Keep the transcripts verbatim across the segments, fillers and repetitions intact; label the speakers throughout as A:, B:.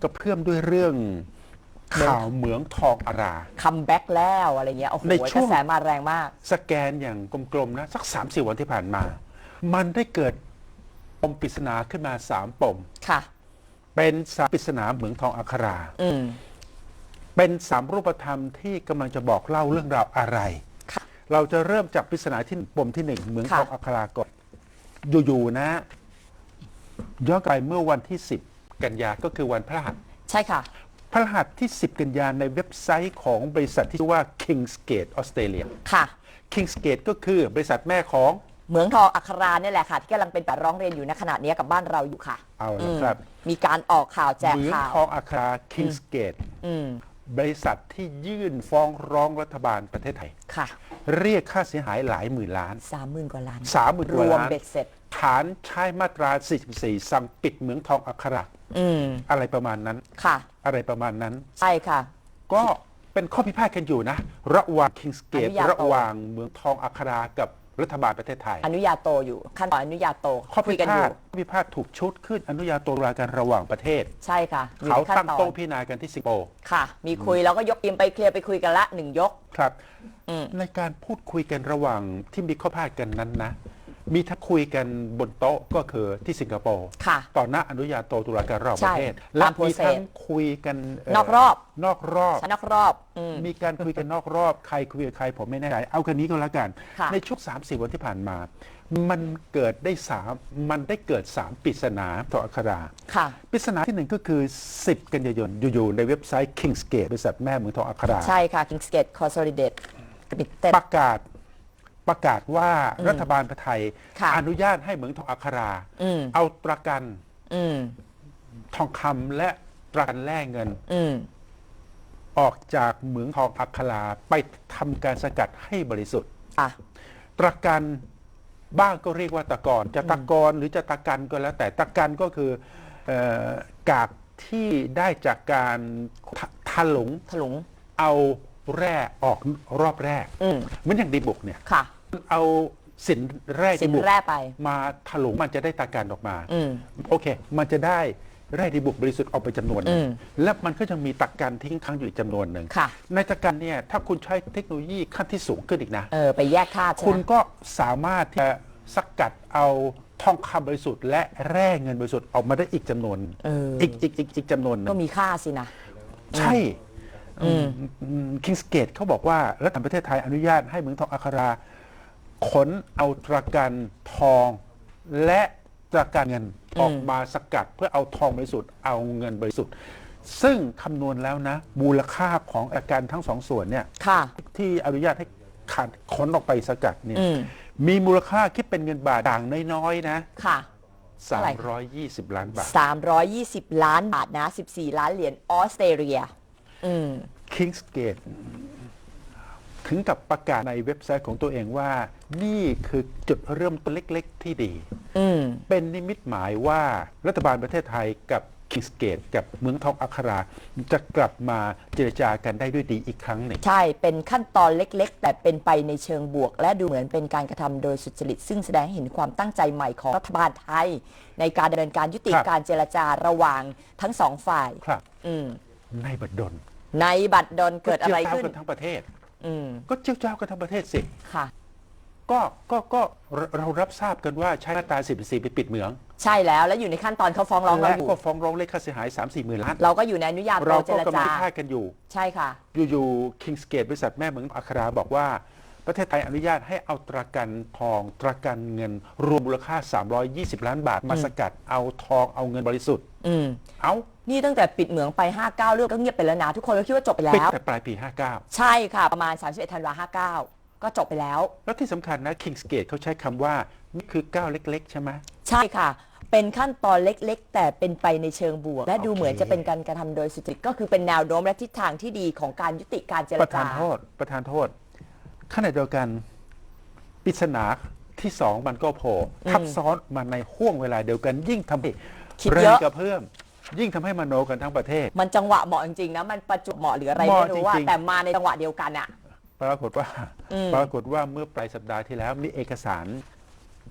A: กระเพื่อมด้วยเรื่องข่าวเหมืองทองอารา
B: คัมแบ็กแล้วอะไรเงี้ยโอ้โหกระแสมาแรงมาก
A: สแกนอย่างกลมๆนะสักสามสี่วันที่ผ่านมามันได้เกิดปมปริศนาขึ้นมาสามปม
B: ค่ะ
A: เป็นสามปริศนาเหมืองทองอัครา
B: อืม
A: เป็นสามรูปธรรมที่กำลังจะบอกเล่าเรื่องราวอะไรเราจะเริ่มจากปริศนาที่ปมที่หนึ่งเหมืองทองอัคราก่อนอยู่ๆนะย้อนไปเมื่อวันที่สิบกันยาก็คือวันพฤหัส
B: ใช่ค่ะ
A: พฤหัสที่สิบกันยาในเว็บไซต์ของบริษัทที่ชื่อว่า Kingsgate ออสเตรเลีย
B: ค่ะ
A: Kingsgate ก็คือบริษัทแม่ของ
B: เหมืองทองอัคราเนี่ยแหละค่ะที่กำลังเป็นแต่ร้องเรียนอยู่ในขณะนี้กับบ้านเราอยู่ค่ะ
A: เอาละครับ
B: มีการออกข่าวแจก
A: ข่าวเหมืองทองอัครา Kingsgate บริษัทที่ยื่นฟ้องร้องรัฐบาลประเทศไทย
B: ค่ะ
A: เรียกค่าเสียหายหลายหมื่นล้าน
B: สามหมื่นกว่าล้าน
A: สามหมื่นกว่าล้าน
B: รวมเบ็ดเสร็จ
A: ฐานใช้มาตราสี่สิบสี่สั่งปิดเหมืองทองอัคราอะไรประมาณนั้น
B: ค่ะ
A: อะไรประมาณนั้น
B: ใช่ค่ะ
A: ก็เป็นข้อพิพาทกันอยู่นะระหว่าง Kingsgate ระหว่างเหมืองทองอัครากับรัฐบาลประเทศไทย
B: อนุญาโตอยู่ขั้นตอนอนุญาโต
A: ข้อพิพาทข้อพิพาทถูกชุดขึ้นอนุญาโตรากันระหว่างประเทศ
B: ใช่ค่ะ
A: เขาตั้งโต๊ะพิจารณากันที่สิงคโปร์
B: ค่ะมีคุยแล้วก็ยกทีมไปเคลียร์ไปคุยกันละหนึ่งยก
A: ครับในการพูดคุยกันระหว่างที่มีข้อพิพาทกันนั้นนะมีทั้งคุยกันบนโต๊ะก็คือที่สิงคโปร์ต่อหน้าอนุญาโตตุลาการระหว่างประเทศและมีทั้งคุยกัน
B: นอกรอบ
A: นอกรอบ
B: นอกรอบ
A: มีการคุยกันนอกรอบใครคุยกับใครผมไม่แน่ใจเอากันนี้ก็แล้วกันในช่วงสามสี่วันที่ผ่านมามันเกิดได้สามมันได้เกิดสามปริศนาต่ออัคราปริศนาที่หนึ่งก็คือสิบกันยายนอยู่ๆในเว็บไซต์ Kingsgate บริษัทแม่เหมืองทองอัครา
B: ใช่ค่ะ Kingsgate Consolidated
A: ประกาศประกาศว่ารัฐบาลไทยอนุญาตให้เหมืองทองอัคราเอาประกันทองคำและประกันแลกเงินออกจากเหมืองทองอัคราไปทำการสกัดให้บริสุทธิ์ประกันบ้างก็เรียกว่าตะกอนจะตะกอนหรือจะตะกันก็แล้วแต่ตะกันก็คือกากที่ได้จากการถลุง
B: ถลุง
A: เอาแร่ออกรอบแรกเหมือนอย่างดีบุกเนี่ยเอาสินแร่ดีบุกมาถลุงมันจะได้ตะกันออกมาโอเคมันจะได้แร่ดีบุกบริสุทธิ์ออกไปจำนวนนึงและมันก็จะมีตะกันทิ้งค้างอยู่อีกจำนวนหนึ่งในตะกันเนี่ยถ้าคุณใช้เทคโนโลยีขั้นที่สูงขึ้นอีกนะ
B: เออไปแยกธาตุ
A: คุณก็สามารถที่จะสกัดเอาทองคำบริสุทธิ์และแร่เงินบริสุทธิ์ออกมาได้อีกจำนวนอีกอีกอีกอีกจำนวนนึง
B: ก็มีค่าสินะ
A: ใช่คิงสเกตเขาบอกว่ารัฐบาลประเทศไทยอนุญาตให้เหมืองทองอัคราขนเอาตรากันทองและตรากันเงินออกมาสกัดเพื่อเอาทองบริสุทธิ์เอาเงินบริสุทธิ์ซึ่งคำนวณแล้วนะมูลค่าของอาการทั้งสองส่วนเนี่ยที่อนุญาตให้ขาดขนออกไปสกัดเนี่ยมีมูลค่าคิดเป็นเงินบาทต่างน้อยๆนะ
B: ค่ะ
A: สามร้อยยี่สิบล้านบาท
B: สามร้อยยี่สิบล้านบาทนะสิบสี่ล้านเหรียญออสเตรเลีย
A: คิงสเกตถึงกับประกาศในเว็บไซต์ของตัวเองว่านี่คือจุดเริ่มต้นเล็กๆที่ดีเป็นนิมิตหมายว่ารัฐบาลประเทศไทยกับคิงสเกตกับเมืองทองอัคราจะกลับมาเจรจากันได้ด้วยดีอีกครั้งหนึ่ง
B: ใช่เป็นขั้นตอนเล็กๆแต่เป็นไปในเชิงบวกและดูเหมือนเป็นการกระทำโดยสุจริตซึ่งแสดงให้เห็นความตั้งใจใหม่ของรัฐบาลไทยในการดำเนินการยุติการเจรจาระหว่างทั้งสองฝ่าย
A: ในบัดดล
B: ในบัดดลเกิดอะไรขึ้น
A: กันทั้งประเทศก็เจ้าเจ้ากันทั้งประเทศสิ
B: ค่ะ
A: ก็ก็ก็เรารับทราบกันว่าใช้มาตราสิบสี่ไปปิดเหมือง
B: ใช่แล้วแล้วอยู่ในขั้นตอนเขาฟ้องร้องเราอยู่
A: ก็ฟ้องร้องเรียกค่าเสียหาย สามสี่ หมื่นล้าน
B: เราก็อยู่ในอนุญาโต
A: เจรจาเราก็กำลังพิพาทกันอยู่
B: ใช่ค่ะ
A: อยู่ๆ Kingsgate บริษัทแม่เหมืองอัคราบอกว่าประเทศไทยอนุญาตให้เอาตรากันทองตรากันเงินรวมมูลค่าสามร้อยยี่สิบล้านบาทมาสกัดเอาทองเอาเงินบริสุทธิ์เอา
B: นี่ตั้งแต่ปิดเหมืองไปห้าสิบเก้าเรื่องก็เงียบไปแล้วนะทุกคนก็คิดว่าจบไปแล้ว
A: ปิดแต่ปลายปีห้าสิบเก้า
B: ใช่ค่ะประมาณสามสิบเอ็ดธันวาคมห้าสิบเก้าก็จบไปแล้ว
A: แล้วที่สำคัญนะ Kingsgate เขาใช้คำว่านี่คือก้าวเล็กๆใช่ไหม
B: ใช่ค่ะเป็นขั้นตอนเล็กๆแต่เป็นไปในเชิงบวกและดูเหมือนจะเป็นการกระทำโดยสุจริตก็คือเป็นแนวโน้มและทิศทางที่ดีของการยุติการเจรจา
A: ประธานโทษประธานโทษขณะเดียวกันปริศนาที่สองมันก็โผล่ทับซ้อนมาในห่วงเวลาเดียวกันยิ่งทำให้แรงกระเพื่อมยิ่งทำให้มโนกันทั้งประเทศ
B: มันจังหวะเหมาะจริงๆนะมันประจวบเหมาะหรืออะไรไม่รู้ว่าแต่มาในจังหวะเดียวกันอะ
A: ปรากฏว่าปรากฏว่าเมื่อปลายสัปดาห์ที่แล้วมีเอกสาร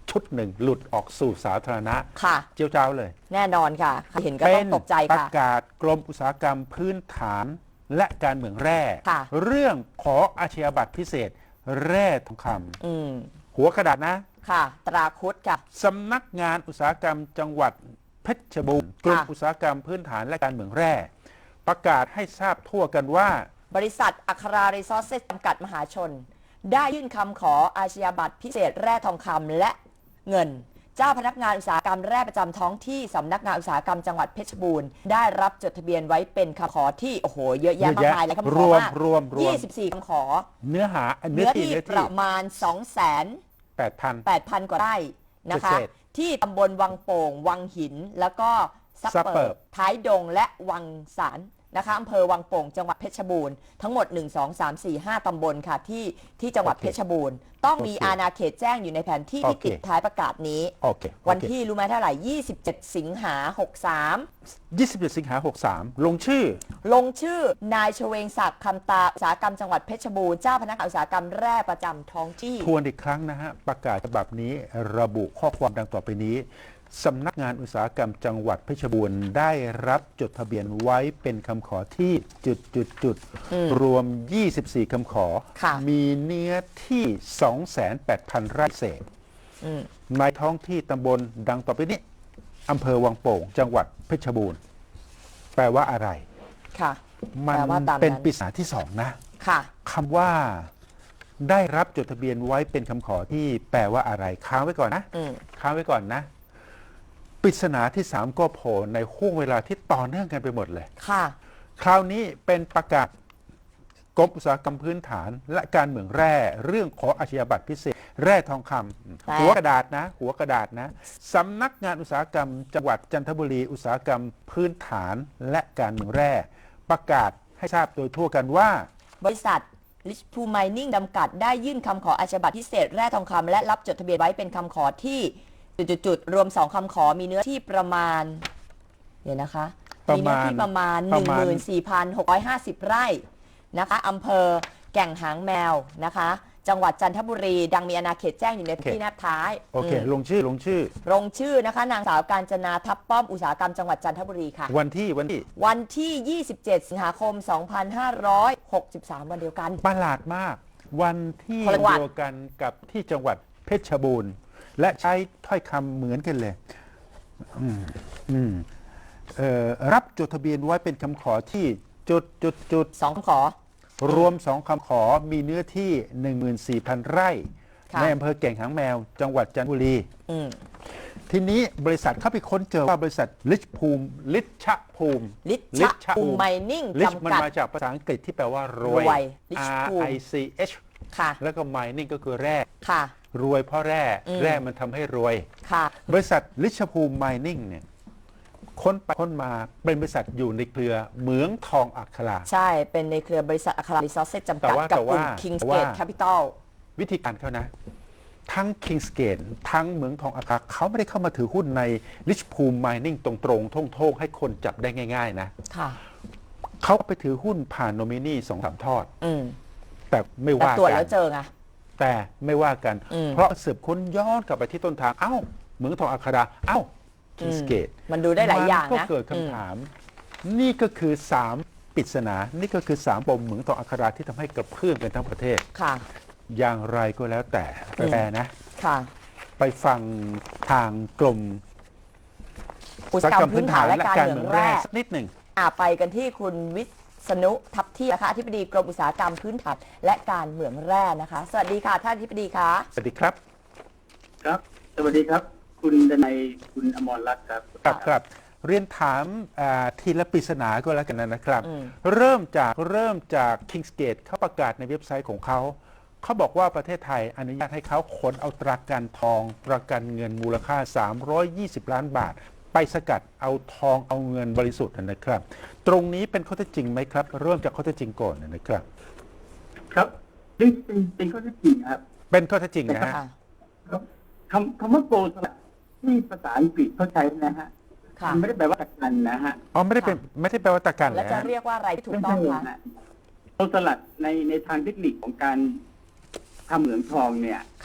A: ชุดหนึ่งหลุดออกสู่สาธารณะ
B: ค่ะ
A: เจียวจ้าวเลย
B: แน่นอนค่ะใครเห็นก็
A: เป็
B: ต้อน งตกใจ
A: ประ
B: ค่ะ
A: กาศกรมอุตสาหกรรมพื้นฐานและการเมืองแร่
B: ค่ะ
A: เรื่องขออาชญาบัตรพิเศษแร่ทองค
B: อืม
A: ำหัวกระดาษนะ
B: ค่ะ ตราคุดค่ะ
A: สำนักงานอุตสาหกรรมจังหวัดเพชรบูรณ์กรมอุตสาหกรรมพื้นฐานและการเมืองแร่ประกาศให้ทราบทั่วกันว่า
B: บริษัทอัครารีซอสเซสจำกัดมหาชน ได้ยื่นคำขออาชญาบัตรพิเศษแร่ทองคำและเงิน เจ้าพนักงานอุตสาหกรรมแร่ประจำท้องที่สำนักงานอุตสาหกรรมจังหวัดเพชรบูรณ์ได้รับจดทะเบียนไว้เป็นคำขอที่โอ้โหเยอะแยะมากมายเลยคำข
A: ร
B: อ
A: วม
B: มาก
A: รวมรวม
B: ยี่สิบสี่คำขอ
A: เนื้อหาเนื้
B: เนื้
A: อ
B: อ
A: ที่
B: ที่
A: เนื้อ
B: ป
A: ที่
B: ระมาณ สองแสน
A: แปดพัน
B: แปดพัน กว่าไร่นะคะ
A: เศษ
B: ที่ตำบลวังโป่ง วังหิน แล้วก็ซับ
A: ซับเปิ
B: เปิ
A: บ
B: บท้ายดงและวังสารนะคะอำเภอวังโป่งจังหวัดเพชรบูรณ์ทั้งหมดหนึ่ง สอง สาม สี่ ห้าตำบลค่ะที่ที่จังหวัดเพชรบูรณ์ต้องมีอาณาเขตแจ้งอยู่ในแผนที่ที่ติดท้ายประกาศนี้
A: โอเค
B: วันที่รู้ไหมเท่าไหร่ ยี่สิบเจ็ด สิงหาหกสาม
A: ยี่สิบเจ็ดสิงหาหกสามลงชื่อ
B: ลงชื่อนายชเวงศักดิ์คำตาอุตสาหกรรมจังหวัดเพชรบูรณ์เจ้าพนักงานอุตสาหกรรมแร่ประจำท้องที่
A: ทวนอีกครั้งนะฮะ ประกาศฉบับนี้ระบุข้อความดังต่อไปนี้สำนักงานอุตสาหกรรมจังหวัดเพชรบูรณ์ได้รับจดทะเบียนไว้เป็นคำขอที่จุดจุดจุดรวม ยี่สิบสี่ คำขอ
B: ค่ะ
A: มีเนื้อที่ สองแสนแปดพัน ไร่เศษ
B: อืม
A: ในท้องที่ตำบลดังต่อไปนี้อำเภอวังโป่ง จังหวัดเพชรบูรณ์ แปลว่าอะไร
B: ค่ะ
A: มัน
B: แปลว่าตามนั้น
A: เป็นปริศนาที่สองนะ
B: ค่ะ
A: คำว่าได้รับจดทะเบียนไว้เป็นคำขอที่แปลว่าอะไรค้างไว้ก่อนนะ
B: อืม
A: ค้างไว้ก่อนนะปริศนาที่สามก็โผล่ในห่วงเวลาที่ต่อเนื่องกันไปหมดเลย
B: ค่ะ
A: คราวนี้เป็นประกาศกรมอุตสาหกรรมพื้นฐาน และการเมืองแร่เรื่องขออาชญาบัตรพิเศษ แร่ทองคำ
B: แต่
A: หัวกระดาษนะ หัวกระดาษนะสำนักงานอุตสาหกรรม จังหวัดจันทบุรี อุตสาหกรรมพื้นฐานและการเมืองแร่ประกาศให้ทราบโดยทั่วกันว่า
B: บริษัท Rich Pool Mining จำกัดได้ยื่นคำขออาชญาบัตรพิเศษแร่ทองคำและรับจดทะเบียนไว้เป็นคำขอที่จุดๆๆรวมสองคำขอมีเนื้อที่ประมาณเดี๋ยวนะคะ
A: ประ
B: มี
A: มาณ
B: เนื้อที่ประมาณ
A: ประมาณ
B: หนึ่งหมื่นสี่พันหกร้อยห้าสิบ ไร่นะคะอำเภอแก่งหางแมวนะคะ จังหวัดจันทบุรี ดังมีอาณาเขตแจ้งอยู่ในที่แนบท้าย
A: โอเค
B: อืม
A: ลงชื่อลงชื่อ
B: ลงชื่อนะคะนางสาวกาญจนาทับป้อมอุตสาหกรรมจังหวัดจันทบุรีค่ะ
A: วันที่วันที่
B: วันที่ ยี่สิบเจ็ด สิงหาคม สองพันห้าร้อยหกสิบสาม วันเดียวกัน
A: ประหลาดมาก วันที่
B: คนละจังหวัด
A: เดียวกันกับที่จังหวัดเพชรบูรณ์ และใช้ถ้อยคำเหมือนกันเลยอืมอืมเอ่อรับจดทะเบียนไว้เป็นคำขอที่จุดจุดจุด
B: สองคำขอ
A: รวมสองคำขอมีเนื้อที่ หนึ่งหมื่นสี่พัน ไร่
B: ค่ะ
A: ในอำเภอแก่งหางแมว จังหวัดจันทบุรี
B: อืม
A: ทีนี้บริษัทเข้าไปค้นเจอว่าบริษัทลิชภูมิลิชภูมิ
B: ลิชภูมิไมนิ่ง
A: ลิช
B: จำ
A: มัน
B: กัด
A: มาจากภาษาอังกฤษที่แปลว่ารวย
B: รวย Rich
A: R
B: ภูมิ
A: I C H
B: ค่ะ
A: แล้วก็ mining ก็คือแร่
B: ค่ะ
A: รวยเพราะแร่
B: อืม
A: แร่มันทำให้รวย
B: ค่ะ
A: บริษัทลิชภูมิไมนิ่งเนี่ยค้นไปค้นมาเป็นบริษัทอยู่ในเครือเหมืองทองอัครา
B: ใช่ เป็นในเครือบริษัทอัครารีซอสเซสจำ
A: แต่
B: กัด
A: ว่า
B: กับ
A: แต่
B: กลุ่ม
A: ว่า
B: Kings
A: แต่ว่า
B: Gate Capital
A: วิธีการเขานะ ทั้ง Kingsgate ทั้งเหมืองทองอัคราเขาไม่ได้เข้ามาถือหุ้นในลิชภูมิไมนิ่งตรงๆท่งๆ ให้คนจับได้ง่ายๆนะ
B: ค่ะ
A: เขาไปถือหุ้นผ่านโนมินีสองสามทอด
B: อืม
A: แต่ไม่
B: แต่
A: ว่า
B: ตรวจ
A: กั
B: แล้
A: น
B: วเจอไง
A: แต่ไม่ว่ากัน
B: อืม
A: เพราะสืบค้นย้อนกลับไปที่ต้นทาง เอ้าเหมืองทองอัคราเอ้า Kingsgate
B: มันดูได้หลายอย่าง
A: มันก็
B: นะ
A: เกิดคำถาม นี่ก็คือสามปริศนา นี่ก็คือสามปมเหมืองทองอัคราที่ทำให้กระเพื่อมกันทั้งประเทศ
B: ค่ะ
A: อย่างไรก็แล้วแต่แปลนะ
B: ค่ะ
A: ไปฟังทางกรม
B: อุตสาหกรรมพื้นฐานและการเมืองแร่
A: สักนิดหนึ่ง
B: อ่าไปกันที่คุณวิษณุทัพเที่ยงนะคะอธิบดีกรมอุตสาหกรรมพื้นฐานและการเมืองแร่นะคะ สวัสดีค่ะท่านอธิบดีคะ
A: สวัสดีครับ
C: ครับ สวัสดีครับ คุณดนัยคุณอมรรัตน์ครับ
A: ครับครับ เรียนถามอ่าทีละปริศนาก็แล้วกันนะครับ
B: อืม
A: เริ่มจากเริ่มจาก Kingsgate เขาประกาศในเว็บไซต์ของเขา เขาบอกว่าประเทศไทยอนุญาตให้เขาขนเอาตรากันทองประกันเงินมูลค่า สามร้อยยี่สิบ ล้านบาท ไปสกัดเอาทองเอาเงินบริสุทธิ์นะครับ ตรงนี้เป็นข้อเท็จจริงไหมครับ เริ่มจากข้อเท็จจริงก่อนนะครับ
C: ครับเป็นเป็นเป็นข้อเท็จจริงครับ
A: เป็นข้อเท็จจริงนะฮะ
B: ค่ะ
C: ครับคำคำว่าโกลสลัดที่ภาษาอังกฤษเขาใช้นะฮะ
B: ค่ะ
C: มันไม่ได้แปลว่าตะกันนะฮะ
A: อ๋อไม่ได้เป็นไม่ได้แปลว่าตะกัน
B: แล้ว
A: แล้
B: จะ
A: ว
B: เรียกว่าอะไรที่ถูก
C: ไม่
B: ต้อ
C: ใช่
B: งคะ
C: นะโกลสลัดในในทางเทคนิคของการทำเหมืองทองเนี่ย
B: ค่ะ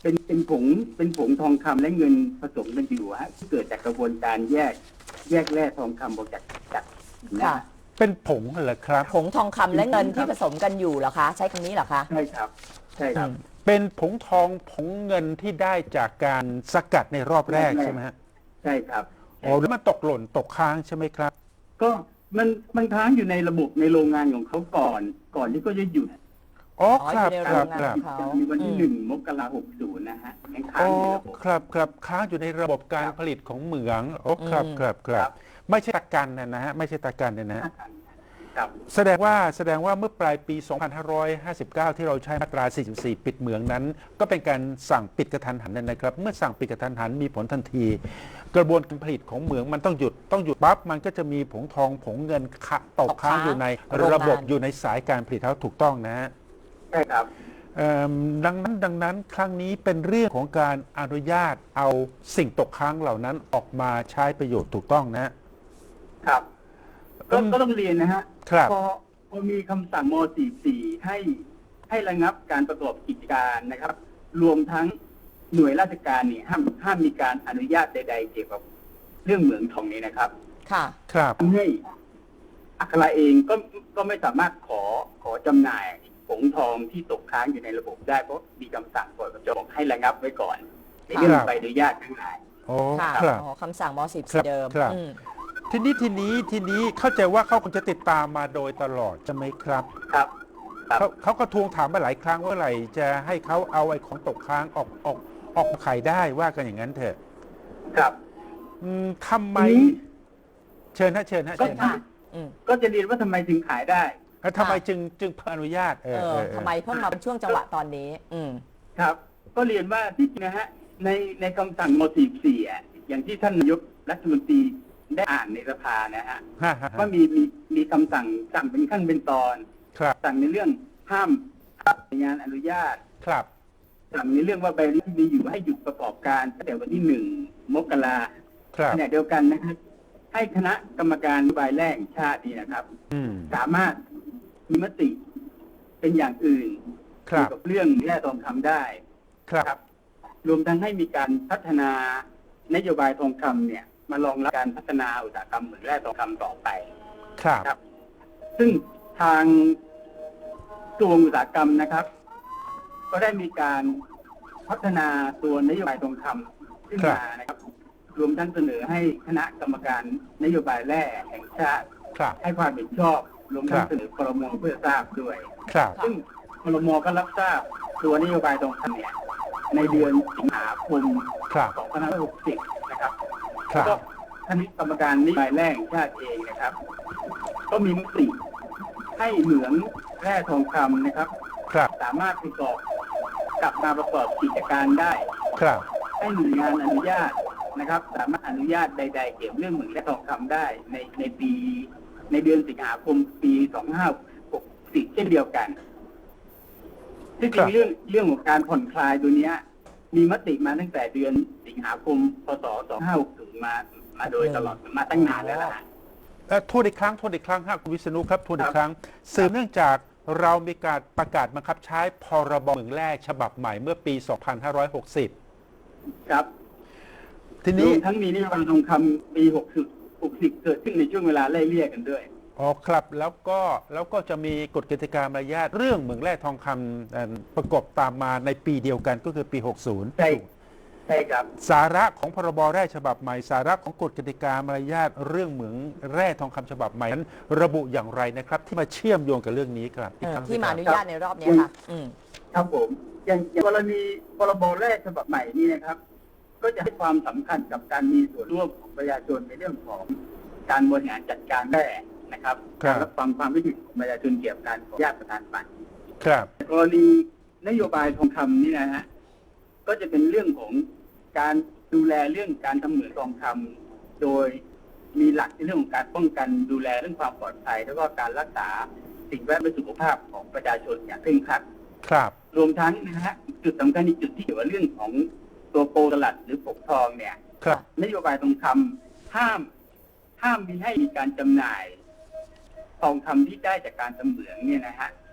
C: เป็นเป็นผงเป็นผงทองคำและเงินผสมกันอยู่ฮะที่เกิดจากกระบวนการแยกแยกแร่ทองคำออกจากจากหินนะ
B: ค่ะ
C: ฮะ
A: เป็นผงเหรอครับ
B: ผงทองคำและเงินที่ผสมกันอยู่เหรอคะ ใช้คำนี้เหรอคะ
C: ใช่ครับ ใช่ครับ
A: เป็นผงทองผงเงินที่ได้จากการสกัดในรอบแรก
C: แรก
A: ใช่ไหมฮะ
C: ใช่ครับ
A: โอ้แล้วมันตกหล่นตกค้างใช่ไหมครับ
C: ก็มันมันค้างอยู่ในระบบในโรงงานของเขาก่อน ก่อนที่ก็จะหยุด
A: อ๋อ
B: อ๋อ
A: ครับ
B: อยู่ใน
A: ครับ
B: โรงงาน
A: ครับ
B: เขา
C: ในวันที่
B: อืม
C: หนึ่งมกราหกศูนย์นะฮะยังค้าง
A: อ๋อ
C: อยู่ในระบบ
A: ครับครับค้างอยู่ในระบบการ
C: ครับ
A: ผลิตของเหมืองโอ้ครับ
B: อืม
A: ครับครั
C: ครับ บ
A: ไม่ใช่ตะกันนะนะฮะไม่ใช่ตะกันเนี่ยนะฮะ
C: ครับ
A: แสดงว่าแสดงว่าเมื่อปลายปี สองพันห้าร้อยห้าสิบเก้า ที่เราใช้มาตรา สี่สิบสี่ ปิดเหมืองนั้น ก็เป็นการสั่งปิดกระทันหันนะครับ เมื่อสั่งปิดกระทันหันมีผลทันที กระบวนการผลิตของเหมืองมันต้องหยุดต้องหยุดปั๊บมันก็จะมีผงทองผงเงินขะตกค้างอยู่ในระบบอยู่ในสายการผลิตเขาถูกต้องนะฮะ
C: ใช่ครับ
A: เอิ่มดังนั้นดังนั้นครั้งนี้เป็นเรื่องของการอนุญาตเอาสิ่งตกค้างเหล่านั้นออกมาใช้ประโยชน์ถูกต้องนะฮะ
C: ครับ ก็
A: อืม
C: ก็ต้องเรียนนะฮะ
A: ครับ
C: พอพอมีคำสั่งม สี่สิบสี่ ให้ให้ระงับการประกอบกิจการนะครับ รวมทั้งหน่วยราชการเนี่ยห้ามห้ามมีการอนุญาตใด ๆ เกี่ยวกับเรื่องเหมืองทองนี้นะครับ
B: ค่ะ
A: ครับ
C: ทำให้อัคราเองก็ก็ไม่สามารถขอขอจำหน่ายผงทองที่ตกค้างอยู่ในระบบได้เพราะมีคำสั่งกฎกระทรวงให้ระงับไว้ก่อนในเรื่องใบอนุญาตทั้งหลาย
A: โอ้
B: ค่ะ
A: ครับ
B: อ๋อคำสั่งม
A: ครั
B: สิบ
A: บ
B: เดิม
A: ครับ
B: อืม
A: ทีนี้ทีนี้ทีนี้เข้าใจว่าเขาคงจะติดตามมาโดยตลอดใช่ไหมครับ
C: ครับ ครับ
A: เขาเขาก็ทวงถามมาหลายครั้งว่าเมื่อไหร่จะให้เขาเอาไอ้ของตกค้างออกออกออกมาขายได้ว่ากันอย่างนั้นเถอะ
C: ครับ
A: อืมทำไม
C: ทีนี้
A: เชิญฮะเชิญฮะ
C: ก็
A: เชิญ
B: ค่ะ
A: ฮะ
B: อืม
C: ก็จะเรียนว่าทำไมถึงขายได้
A: แล้วทำไมจึงจึงอนุญาตเอ
B: เอ
A: อ
B: อ
A: เออเออ
B: ทำไมเพิ่งมาเป็นช่วงจังหวะตอนนี้ อืม
C: ครับ ก็เรียนว่าที่จริงนะฮะในในคำสั่งม สี่สิบสี่ อ่ะอย่างที่ท่านนายกรัฐมนตรีได้อ่านในสภานะฮะ
A: ฮะฮะฮะ
C: ว่ามีมีมีคำสั่งสั่งเป็นขั้นเป็นตอน
A: ครับ
C: สั่งในเรื่องห้ามห้ามงานอนุญาต
A: ครับ
C: สั่งในเรื่องว่าใบอนุญาตที่มีอยู่ให้หยุดประกอบการตั้งแต่วันที่หนึ่งมกรา
A: ครับ
C: ขณะเดียวกันนะครับ ให้คณะกรรมการนโยบายแรกแห่งชาตินี่นะครับ
A: อืม
C: สามารถมีมติเป็นอย่างอื่น
A: ครั
C: เกี่ย
A: บ
C: วกับเรื่องแร่ทองคำได้
A: ครับ
C: ครับ รวมทั้งให้มีการพัฒนานโยบายทองคำเนี่ย มารองรับการพัฒนาอุตสาหกรรมเหมืองแร่ทองคำต่อไป
A: ครับ
C: ครับ ซึ่งทางกระทรวงอุตสาหกรรมนะครับ ก็ได้มีการพัฒนาตัวนโยบายทองคำขึ้นมานะครับ รวมทั้งเสนอให้คณะกรรมการนโยบายแร่แห่งชาติ
A: ครับ
C: ให้ความเห็นชอบ รวมทั้
A: ค
C: ง
A: รับ
C: เสนอครมเพื่อทราบด้วย
A: ครับ
C: ซึ่งครมก็รับทราบตัวนโยบายทองคำเนี่ยในเดือนสิงหาคม
A: ครับ
C: สองพันห้าร้อยหกสิบนะครับ
A: ครั
C: แล้ว
A: บ
C: ก็คณะกรรมการนโยบายแร่แห่งชาติเองนะครับ ก็มีมติให้เหมืองแร่ทองคำนะครับ
A: ครับ
C: สามารถประกอบกลับมาประกอบกิจการได้
A: ครับ
C: ให้หน่วยงานอนุญาตนะครับ สามารถอนุญาตใด ๆ เกี่ยวเรื่องเหมืองและทองคำได้ในในปี ในเดือนสิงหาคมปีสองพันห้าร้อยหกสิบเช่นเดียวกันที่จ
A: ครั
C: ริ
A: บ
C: งเรื่องเรื่องของการผ่อนคลายตัวเนี้ย มีมติมาตั้งแต่เดือนสิงหาคมพศสองพันห้าร้อยหกสิบมามาโดยตลอดมาตั้งนานแล้วล่ะ
A: เอ่อทวนอีกครั้งทวนอีกครั้งฮะคุณวิษณุครับทวนอี
C: ครั
A: ก
C: บ
A: ครั้งสืบเนื่องจากเรามีการประกาศบังคับใช้พรบเหมืองแร่ฉบับใหม่เมื่อปี สองพันห้าร้อยหกสิบ
C: ครับ
A: ที
C: ร
A: นี้
C: วมทั้งมีนโยบายทองคำปีหกสิบหกสิบเกิดขึ้นในช่วงเวลาไล่เลี่ยกันด้วย
A: อ๋อครับแล้วก็แล้วก็จะมีกฎกติกามารยาทเรื่องเหมืองแร่ทองคำเอ่อประกบตามมาในปีเดียวกันก็คือปี หกสิบ
C: ใช่ ใช่ครับ
A: สาระของพรบแร่ฉบับใหม่ สาระของกฎกติกามารยาทเรื่องเหมืองแร่ทองคำฉบับใหม่นั้นระบุอย่างไรนะครับ ที่มาเชื่อมโยงกับเรื่องนี้ครับอีก
B: เออ
A: ครั้ง
B: ที่มาอ
A: สิ
B: นุ
A: ครับ
B: ญาตในรอบเนี้ยค่ะ อืม
C: ครับผม อย่างอย่างกรณีพรบแรกฉบับใหม่นี้นะครับ ก็จะให้ความสำคัญกับการมีส่วนร่วมของประชาชนในเรื่องของการบริหารจัดการแร่นะครับ
A: ครับ
C: การรับฟังความคิดเห็นของประชาชนเกี่ยวกับการขออนุญาตประทานบัตร
A: ครับ
C: กรณีนโยบายทองคำนี่นะฮะก็จะเป็นเรื่องของการดูแลเรื่องการทำเหมืองทองคำโดยมีหลักในเรื่องของการป้องกันดูแลเรื่องความปลอดภัย แล้วก็การรักษาสิ่งแวดล้อมและสุขภาพของประชาชนอย่างเคร่งครัด
A: ครับ
C: รวมทั้งนะฮะจุดสำคัญอีกจุดที่เกี่ยวกับเรื่องของตัวโปรตลัดหรือปกทองเนี่ย
A: ครับ
C: นโยบายทองคำห้ามห้ามมีให้มีการจำหน่ายทองคำที่ได้จากการทำเหมืองเนี่ยนะฮะ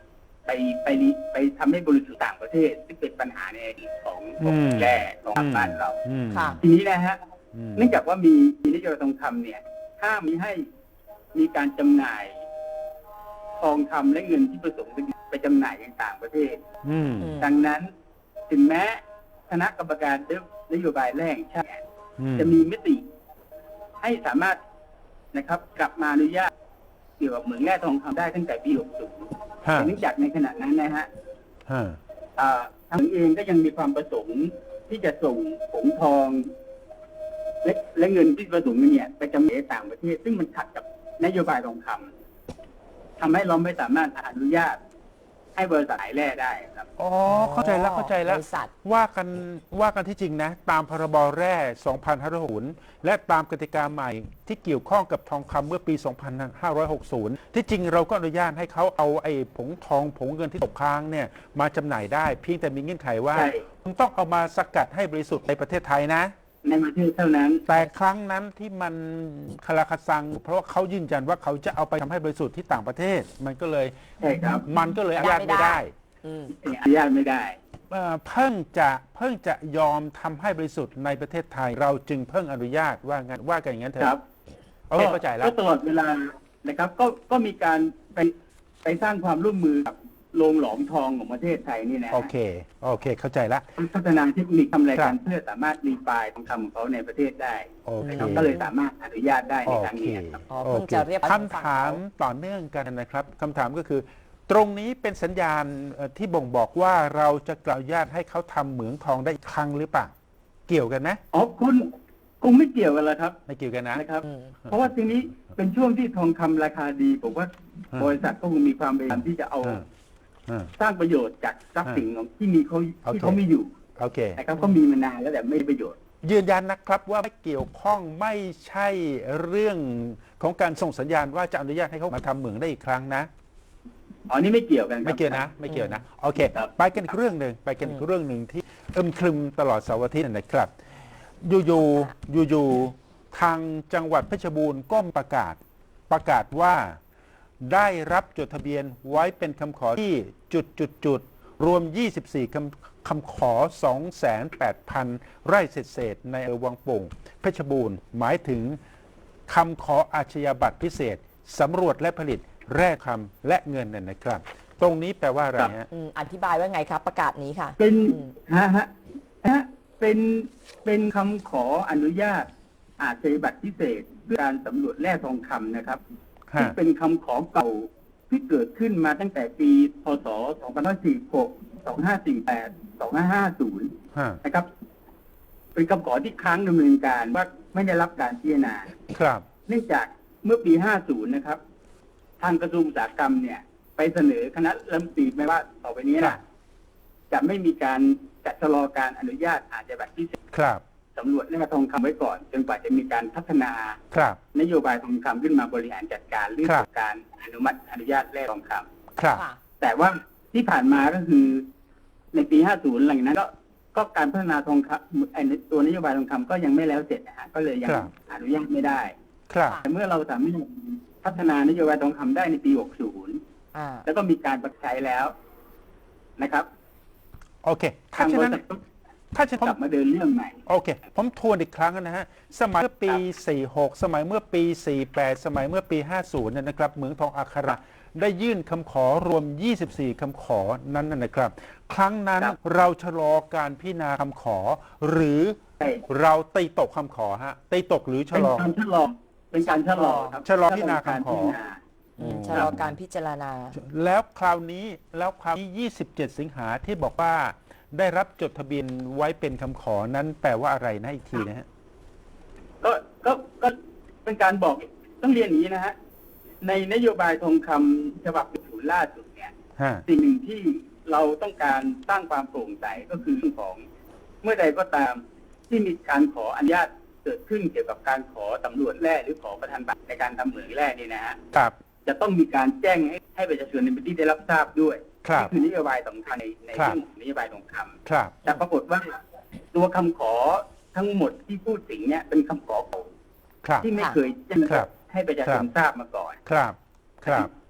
C: ไปไปไปทำให้บริษัทต่างประเทศที่เป็นปัญหาในอดีตของของแร่ของบ้านเรา
A: อืม
B: ค่ะ
C: ทีนี้นะฮะ
A: อืม
C: เนื่องจากว่ามีมีนโยบายทองคำเนี่ยห้ามมิให้มีการจำหน่ายทองคำและเงินที่ผสมกันไปจำหน่ายในต่างประเทศ
A: อืม
C: ดังนั้นถึงแม้คณะกรรมการนโยบายแรกชาติ
A: อืม
C: จะมีมติให้สามารถนะครับ กลับมาอนุญาตเกี่ยวกับเหมืองแร่ทองคำได้ตั้งแต่ปี หกสิบ
A: ฮะ
C: แต่เนื่องจากในขณะนั้นนะฮะ
A: ฮะ
C: อ่าทางเองก็ยังมีความประสงค์ที่จะส่งผงทองและและเงินที่ผสมกันเนี่ยไปจำหน่ายในต่างประเทศ ซึ่งมันขัดกับนโยบายทองคำทำให้เราไม่สามารถอนุญาตให้บริษัทขายแร่ได้ครับ
A: อ๋อเข้าใจแล้วเข้าใจแล้ว
B: บริษัท
A: ว่ากันว่ากันที่จริงนะ ตามพรบแร่ สองพันห้าร้อยหกสิบ และตามกติกาใหม่ที่เกี่ยวข้องกับทองคำเมื่อปี สองพันห้าร้อยหกสิบ ที่จริงเราก็อนุญาตให้เขาเอาไอ้ผงทองผงเงินที่ตกค้างเนี่ยมาจำหน่ายได้ เพียงแต่มีเงื่อนไขว่า
C: ใช่
A: คุณต้องเอามาสกัดให้บริสุทธิ์ในประเทศไทยนะ
C: ในประเทศเท่านั้น
A: แต่ครั้งนั้นที่มันคลาคาซัง เพราะว่าเขายืนยันว่าเขาจะเอาไปทำให้บริสุทธิ์ที่ต่างประเทศ มันก็เลย
C: ใช่ครับ
A: มันก็เลยอนุญาตไม่ได้
B: อืม
C: อนุญาตไม่ได้
A: เอ่อเพิ่งจะเพิ่งจะยอมทำให้บริสุทธิ์ในประเทศไทย เราจึงเพิ่งอนุญาตว่างั้นว่ากันอย่างนั้นเถ
C: ครั
A: อะ
C: บ
A: โอเคเข้าใจแล้ว
C: ก็ตลอดเวลานะครับ ก็ก็มีการไปไปสร้างความร่วมมือกับโรงหลอมทองของประเทศไทยนี่นะ
A: โอเคโอเคเข้าใจแล้ว
C: พัฒนาเทคนิคทำอะไร
A: ครั
C: กับ นเพื่อสามารถรีไฟล์ทองคำของเขาในประเทศได้
A: โอเค
C: นะครับก็เลยสามารถอนุญาตได้ใน
A: โอ
C: ครั้ง
A: เค
C: นี้ครับ
B: อ๋อ
A: โอ
B: เพิ่ง
A: เค
B: จะเรียบร้อย
A: คำถามต่อเนื่องกันนะครับคำถามก็คือ ตรงนี้เป็นสัญญาณเอ่อที่บ่งบอกว่าเราจะกล่าวญาตให้เขาทำเหมืองทองได้อีกครั้งหรือเปล่าเกี่ยวกันไหม
C: อ๋อคุณคงไม่เกี่ยวกันแล้วครับ
A: ไม่เกี่ยวกันนะ
C: นะครับ
B: อืม
C: เพราะว่าทีนี้เป็นช่วงที่ทองคำราคาดีผมว่า
A: อืม
C: บริษัทก็คงมีความพยายามที่จะเอา
A: อ่าอ่า
C: สร้างประโยชน์จากทรัพย์สินของที่มีเขา
A: โอเค
C: ที่เขามีอยู่
A: โอเค
C: นะครับก็มีมานานแล้วแต่ไม่ได้ประโยชน์
A: ยืนยันนะครับว่าไม่เกี่ยวข้องไม่ใช่เรื่องของการส่งสัญญาณว่าจะอนุญาตให้เขามาทำเหมืองได้อีกครั้งนะ
C: อ๋อนี่ไม่เกี่ยวกันครับ
A: ไม่เกี่ยวนะ ไม่เกี่ยวนะโอเค
C: ครับ
A: ไปกันอีกเรื่องหนึ่งไปกันอีกเรื่องหนึ่งที่อึมครึมตลอดเสาร์อาทิตย์นะครับ อยู่ๆอยู่ๆทางจังหวัดเพชรบูรณ์ก็ประกาศประกาศว่าได้รับจดทะเบียนไว้เป็นคำขอที่จุดจุดจุดรวม ยี่สิบสี่ คำคำขอ สองแสนแปดพัน ไร่เศษๆในอำเภอวังโป่งเพชรบูรณ์หมายถึงคำขออาชญาบัตรพิเศษสำรวจและผลิตแร่คำและเงินนั่นนะครับ ตรงนี้แปลว่าอะไรฮะ
B: อืมอธิบายว่าไงครับประกาศนี้ค่ะ
C: เป็น
B: อืม
C: ฮะฮะฮะเป็นเป็นคำขออนุญาตอาชญาบัตรพิเศษเพื่อการสำรวจแร่ทองคำนะครับที่
A: ฮะ
C: เป็นคำขอเก่าที่เกิดขึ้นมาตั้งแต่ปีพศสองพันห้าร้อยสี่สิบหก สองพันห้าร้อยสี่สิบแปด สองพันห้าร้อยห้าสิบ
A: ฮะ
C: นะครับ เป็นคำขอที่ค้างดำเนินการว่าไม่ได้รับการพิจารณา
A: ครับ
C: เนื่องจากเมื่อปี ห้าสิบ นะครับ ทางกระทรวงอุตสาหกรรมเนี่ย ไปเสนอคณะรัฐมนตรีไม่ว่าต่อไปนี้
A: ครั
C: นะ
A: บ
C: จะไม่มีการจัดชะลอการอนุญาตอาชญาบัตรพิเศษ
A: ครับ
C: สำรวจแร่ทองคำไว้ก่อนจนกว่าจะมีการพัฒนา
A: ครับ
C: นโยบายทองคำขึ้นมาบริหารจัดการเรื่อง
A: ครับ
C: ของการอนุมัติอนุญาตแร่ทองคำ
A: ครับ
B: ค่ะ
C: แต่ว่าที่ผ่านมาก็คือในปี ห้าสิบ หลังจากนั้นก็ก็การพัฒนาทองคำไอ้ตัวนโยบายทองคำก็ยังไม่แล้วเสร็จนะฮะก็เลยยัง
A: ครับ
C: อนุญาตไม่ได้
A: ครับ
C: แต่เมื่อเราสามารถพัฒนานโยบายทองคำได้ในปี หกสิบ
B: อ่า
C: แล้วก็มีการประกาศใช้แล้วนะครับ
A: โอเค ถ้า
C: ทาง
A: ฉะ
C: บริ
A: นั้น
C: ษัทก็
A: ถ้าฉะนั้น
C: กลับมาเดินเรื่องใหม่
A: โอเค ผมทวนอีกครั้งนะฮะ สมัยเมื่อปี สี่สิบหก สมัยเมื่อปี สี่สิบแปด สมัยเมื่อปี ห้าสิบเนี่ยนะครับเหมืองทองอัคราได้ยื่นคำขอรวม ยี่สิบสี่ คำขอนั้นนะนะครับ ครั้งนั้น
C: ครับ
A: เราชะลอการพิจารณาคำขอ หรือ
C: ใช่
A: เราตีตกคำขอฮะ ตีตกหรือชะ
C: เป็น
A: ลอ
C: การชะลอเป็นการชะลอครับ
A: ชะลอพิจารณาคำขอ
C: พิจารณา
B: อืมชะลอการพิจารณา
A: แล้วคราวนี้แล้วคราวนี้ ยี่สิบเจ็ด สิงหาที่บอกว่าได้รับจดทะเบียนไว้เป็นคำขอนั้นแปลว่าอะไรนะอีกทีนะฮะ
C: ก็ก็ก็เป็นการบอกต้องเรียนอย่างนี้นะฮะในนโยบายทองคำฉบับศูนย์ล่าสุดเนี่ย
A: ฮะ
C: สิ่งหนึ่งที่เราต้องการสร้างความโปร่งใสก็คือเรื่องของเมื่อใดก็ตามที่มีการขออนุญาตเกิดขึ้นเกี่ยวกับการขอสำรวจแร่หรือขอประทานบัตรในการทำเหมืองแร่นี่นะฮะ
A: ครับ
C: จะต้องมีการแจ้งให้ให้ประชาชนในพื้นที่ได้รับทราบด้วย
A: ครับ
C: นี่คือนโยบายสำคัญในใน
A: ครับ
C: เรื่องของนโยบายทองคำ
A: ครับ
C: แต่ปรากฏว่าตัวคำขอทั้งหมดที่พูดถึงเนี่ยเป็นคำขอเก่า
A: ครับ
C: ที่ไม่เคยแจ้ง
A: ครับ
C: ให้ประชาชน
A: ครับ
C: ทราบมาก่อน
A: ครับ ครับ
C: ท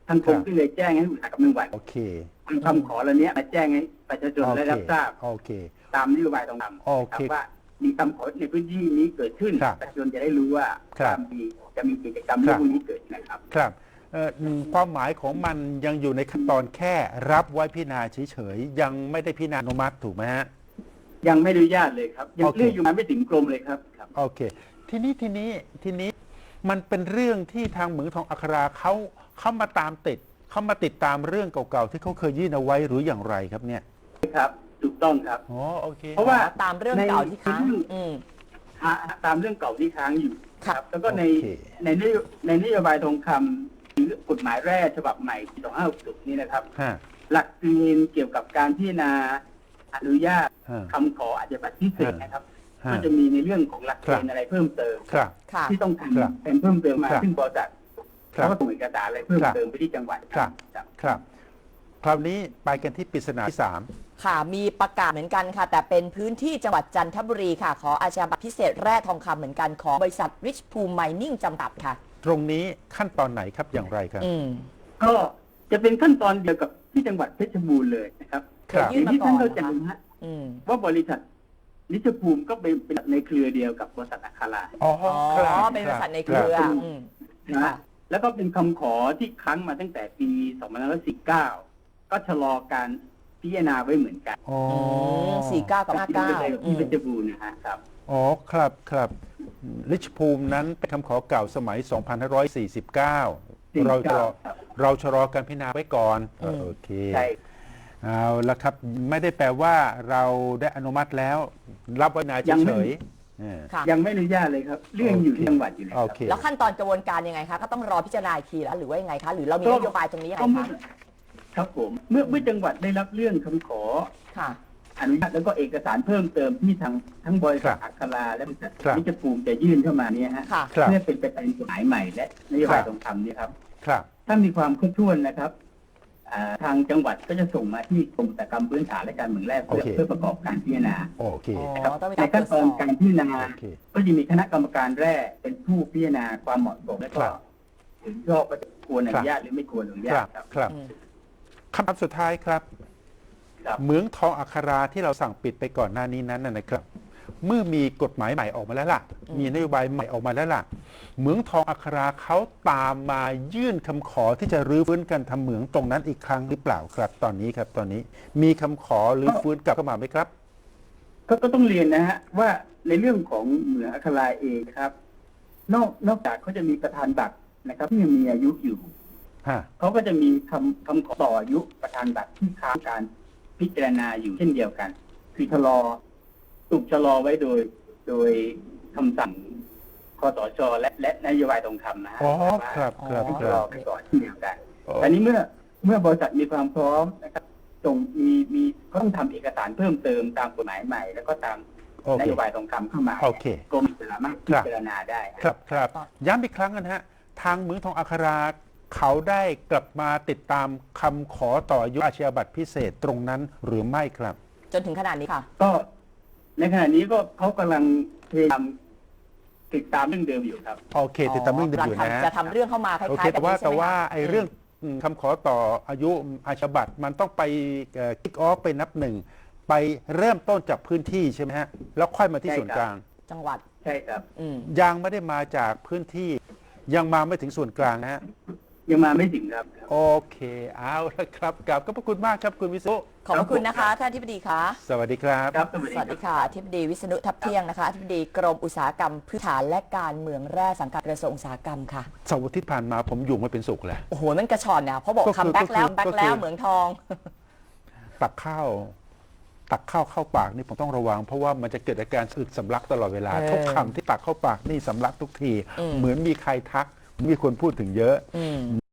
C: ทางกรม
A: ครับ
C: ก็เลยแจ้งให้อุตสาหกรรมจังหวัด
A: โอเค
C: ทำคำขอเหล่านี้มาแจ้งให้ประชาชนได้รับทราบ
A: โอเค
C: ตามนโยบายตรงนั้น
A: โอเค
C: ว่ามีคำขอในพื้นที่นี้เกิดขึ้น
A: ครับ
C: ประชาชนจะได้รู้ว่า
A: ครับ
C: จะมีจะมีกิจกรรมเรื่องพวกนี้เกิดนะครับ
A: ครับเอ่อความหมายของมันยังอยู่ในขั้นตอนแค่รับไว้พิจารณาเฉยๆยังไม่ได้พิจารณาอนุมัติถูกไหมฮะ
C: ยังไม่อนุญาตเลยครับ ยัง
A: โอเค
C: เรื่องอยู่มาไม่ถึงกรมเลยครับครับ
A: โอเค ทีนี้ทีนี้ทีนี้มันเป็นเรื่องที่ทางเหมืองทองอัคราเขาเขามาตามติดเขามาติดตามเรื่องเก่าๆที่เขาเคยยื่นเอาไว้หรืออย่างไรครับเนี่ย
C: ครับถูกต้องครับ
A: อ๋อโอเค
C: เพราะว่า
B: ตามเรื่องเก่าที่ค้าง
C: ใน
B: อืม
C: ฮะตามเรื่องเก่าที่ค้างอยู่
B: ค่ะ
C: แล้วก็ใน
A: โอเค
C: ในนโยในนโยบายทองคำหรือกฎหมายแร่ฉบับใหม่ปีสองห้าหกศูนย์นี้นะครับ
A: ฮะ
C: หลักเกณฑ์เกี่ยวกับการพิจารณาอนุญาต
A: ฮะ
C: คำขออาชญาบัตรพิเศษนะครับ
A: ฮะ
C: ก็จะมีในเรื่องของหลักเกณฑ์อะไรเพิ่มเติม
A: ครับ
B: ค่ะ
C: ที่ต้อง
A: ครับ
C: ทำเป็นเพิ่มเติมมา
A: ครับ
C: ซึ่งบริษัท
A: ครั
C: เขา
A: บ
C: ก็ส่งเอกสารอะไรเพิ่ม
A: ครับ
C: เติมไปที่จังหวัด
A: ครับ
C: ครับ
A: ครับ คราวนี้ไปกันที่ปริศนาที่สาม
B: ค่ะ มีประกาศเหมือนกันค่ะ แต่เป็นพื้นที่จังหวัดจันทบุรีค่ะ ขออาชญาบัตรพิเศษแร่ทองคำเหมือนกันของบริษัท Rich Pool Mining จำกัดค่ะ
A: ตรงนี้ขั้นตอนไหนครับอย่างไรครับ
B: อืม
C: ก็จะเป็นขั้นตอนเดียวกับที่จังหวัดเพชรบูรณ์เลยนะครับ
A: ครับ
B: ยื่น
C: อย่าง
B: มา
C: ที่
B: ก่อ
C: ท่าน
B: น
C: เข้าใจ
B: นะคะ
C: นะฮะ
B: อืม
C: ว่าบริษัทนิชภูมิก็เป็นเป็นในเครือเดียวกับบริษัทอัครา
A: อ๋อ
B: อ๋อ
A: ครับ
B: เป็นบริษัทในเครือ
C: ครับ
B: อืม
C: นะ
B: ค่ะ
C: ฮะแล้วก็เป็นคำขอที่ค้างมาตั้งแต่ปีสองพันห้าร้อยสิบเก้าก็ชะลอการพิจารณาไว้เหมือนกัน
A: อ๋อ
B: สี่เก้ากับห้าเก้า
C: ที่เพชรบูรณ์นะฮะครับ
A: อ๋อครับครับลิชภูมินั้นเป็นคำขอเก่าสมัย สองพันห้าร้อยสี่สิบเก้า เราชะลอ
C: ครับ
A: เราชะลอการพิจารณาไว้ก่อนเออโอเค
C: ใช่
A: เอาละครับไม่ได้แปลว่าเราได้อนุมัติแล้ว รับไว้นานเฉยๆเออ
B: ค่ะ
C: ยังไม่อนุญาตเลยครับ เรื่องอยู่ที่จังหวัดอยู่เลยค
A: โอ
C: รับ
A: เค
B: แล้วขั้นตอนกระบวนการยังไงคะ ก็ต้องรอพิจารณาอีกทีแล้วหรือว่ายังไงคะ หรือเรามี
C: ก็
B: นโยบายตรงนี้ยังไง
C: ก็เมื่อ
B: คะ
C: ครับผมเมื่อเมื่อจังหวัดได้รับเรื่องคำขอ
B: ค่ะ
C: อนุญาตแล้วก็เอกสารเพิ่มเติมที่ทางทั้งบริษัท
A: ครับ
C: อัคราและบริษัท
A: ครับ
C: นิชภูมิจะยื่นเข้ามาเนี่ยฮะ
B: ค่ะ
A: ครับ
C: เพื่อเป็นไปตามกฎหมายใหม่และนโยบาย
A: ครับ
C: ทองคำเนี่ยครับ
A: ครับ
C: ถ้ามีความครบถ้วนนะครับอ่าทางจังหวัดก็จะส่งมาที่กรมอุตสาหกรรมพื้นฐานและการเมืองแรกเพื่อ
A: โอเค
C: เพื่อประกอบการพิจารณา
A: โอเค
B: อ๋อ
C: นะครับ
B: ต้องมี
C: ใน
B: การตร
C: ขั้
B: วน จ
C: ต
B: ส
C: อ
B: อน บ
C: การพิจารณา
A: โอเค
C: ก็จะมีคณะกรรมการแรกเป็นผู้พิจารณาความเหมาะสมและ
A: ค
C: ก็
A: รับ
C: เห็นชอบว่าจะควรอนุญาตหรือไม่ควรอนุ
A: ค
C: ญา
A: รั
C: ต
A: บ
C: ครับ
A: ครับ
B: อืม
A: คำถามสุดท้ายครับ
C: ครับ
A: เหมืองทองอัคราที่เราสั่งปิดไปก่อนหน้านี้นั้นนะนะครับ เมื่อมีกฎหมายใหม่ออกมาแล้วล่ะ
B: อืม
A: มีนโยบายใหม่ออกมาแล้วล่ะ เหมืองทองอัคราเขาตามมายื่นคำขอที่จะรื้อฟื้นการทำเหมืองตรงนั้นอีกครั้งหรือเปล่าครับ ตอนนี้ครับ ตอนนี้มีคำขอรื้อฟื้นกลับเข้ามาไหมครับ
C: ก็ก็ต้องเรียนนะฮะว่าในเรื่องของเหมืองอัคราเองครับ นอกนอกจากเขาจะมีประธานบัตรนะครับ ที่ยังมีอายุอยู่
A: ฮะ
C: เขาก็จะมีคำคำขอต่ออายุประธานบัตรที่ค้างการพิจารณาอยู่เช่นเดียวกัน คือชะลอถูกชะลอไว้โดย โดยคำสั่งคสชและและนโยบายตรงคำนะฮะ
A: อ๋อ
C: ว่า
A: ครับครับ
C: ให้
A: ค
C: ชะล
A: รั
C: อบ ไปก่อนเช่นเดียวกัน
A: อ๋อ
C: แต่นี้เมื่อเมื่อบริษัทมีความพร้อมนะครับส่งมีมีก็ต้องทำเอกสารเพิ่มเติมตามกฎหมายใหม่ แล้วก็ตาม
A: โอน เค
C: โยบายตรงคำเข้ามา
A: โอเค
C: กรมสามารถพิจารณาได้
A: ครับครับย้ำอีกครั้งนะฮะ ทางเหมืองทองอัคราเขาได้กลับมาติดตามคำขอต่ออายุอาชญาบัตรพิเศษตรงนั้นหรือไม่ครับ
B: จนถึงขนาดนี้ค่ะ
C: ก็ในขณะนี้ก็เขากำลังพยายามติดตามเรื่องเดิมอยู่ครับ
A: โอเค ติดตามเรื่องเดิมอยู่นะฮะ
B: จะทำเรื่องเข้ามาคล้ายๆ
A: โอเค
B: แบบ
A: แต่ว่า
B: นี้ใช่
A: แต่
B: ไหม
A: ว่า
B: คะ
A: ไอ้เรื่องคำขอต่ออายุอาชญาบัตรมันต้องไปคิกออฟไปนับหนึ่ง ไปเริ่มต้นจากพื้นที่ใช่ไหมฮะ แล้วค่อยมาที่
C: ใช่
A: ส่วน
C: ครับ
A: กลาง
B: จังหวัด
C: ใช่ครับ
B: อืม
A: ยังไม่ได้มาจากพื้นที่ ยังมาไม่ถึงส่วนกลางนะฮะ
C: ยังมาไม่ถึงครับ
A: โอเค เอาละครับกลับขอบพระคุณมากครับคุณวิศนุ
B: ขอบพระคุณนะคะท่านอธิบดีคะ
A: สวัสดีครับ
C: ครับสวัส
B: ส
C: ดี
B: วัส
C: ครั
B: ดี
C: บ
B: ค่ะอธิบดีวิษณุทับเที่ยงนะคะอธิบดีกรมอุตสาหกรรมพื้นฐานและการเมืองแร่สังกัดกระทรวงอุตสาหกรรมค่ะ
A: เสาร์อาทิตย์ผ่านมาผมอยู่ไม่เป็นสุขเลย
B: โอ้โหมันกระชอนเนี่ยเพราะบอก
A: ก็คือ
B: คัมแบ็กแล้ว
A: ก็คือ
B: แบ็ก
A: ก็คือ
B: แล้วเหมืองทอง
A: ตักข้าว ตักข้าวเข้าปากนี่ผมต้องระวัง เพราะว่ามันจะเกิดอาการอึดสำลักตลอดเวลา
B: เออ
A: ทุกคำที่ตักเข้าปากนี่สำลักทุกที
B: อืม
A: เหมือนมีใครทัก มีคนพูดถึงเยอะ
B: อืม